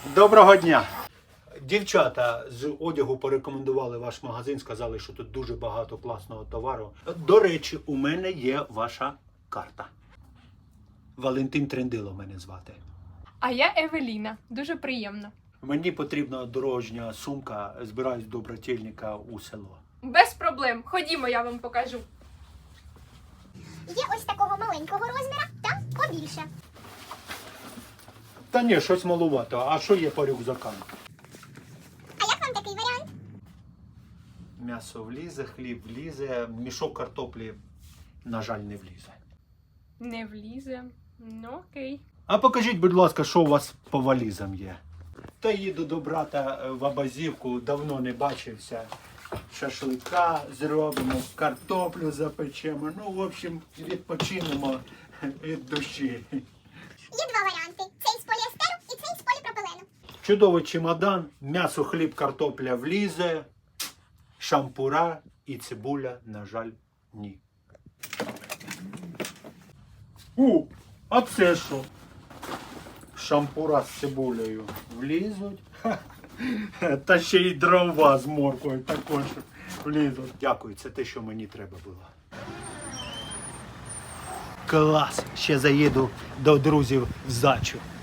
Доброго дня! Дівчата з одягу порекомендували ваш магазин, сказали, що тут дуже багато класного товару. До речі, у мене є ваша карта. Валентин Трендило мене звати. А я Евеліна. Дуже приємно. Мені потрібна дорожня сумка, збираюсь до брательника у село. Без проблем. Ходімо, я вам покажу. Є ось такого маленького розміра та побільше. Та ні, щось малувато. А що є по рюкзакам? А як вам такий варіант? М'ясо влізе, хліб влізе, мішок картоплі, на жаль, не влізе. Не влізе. Ну, окей. А покажіть, будь ласка, що у вас по валізам є? Та їду до брата в Абазівку, давно не бачився. Шашлика зробимо, картоплю запечемо. Ну, в общем, відпочинемо від душі. Є два варіанти. Цей з поліестеру і цей з поліпропилену. Чудовий чемодан, м'ясо, хліб, картопля влізе, шампура і цибуля, на жаль, ні. А це що? Шампура з цибулею влізуть. Та ще й дрова з морквою також влізуть. Дякую, це те, що мені треба було. Клас! Ще заїду до друзів в Зачу.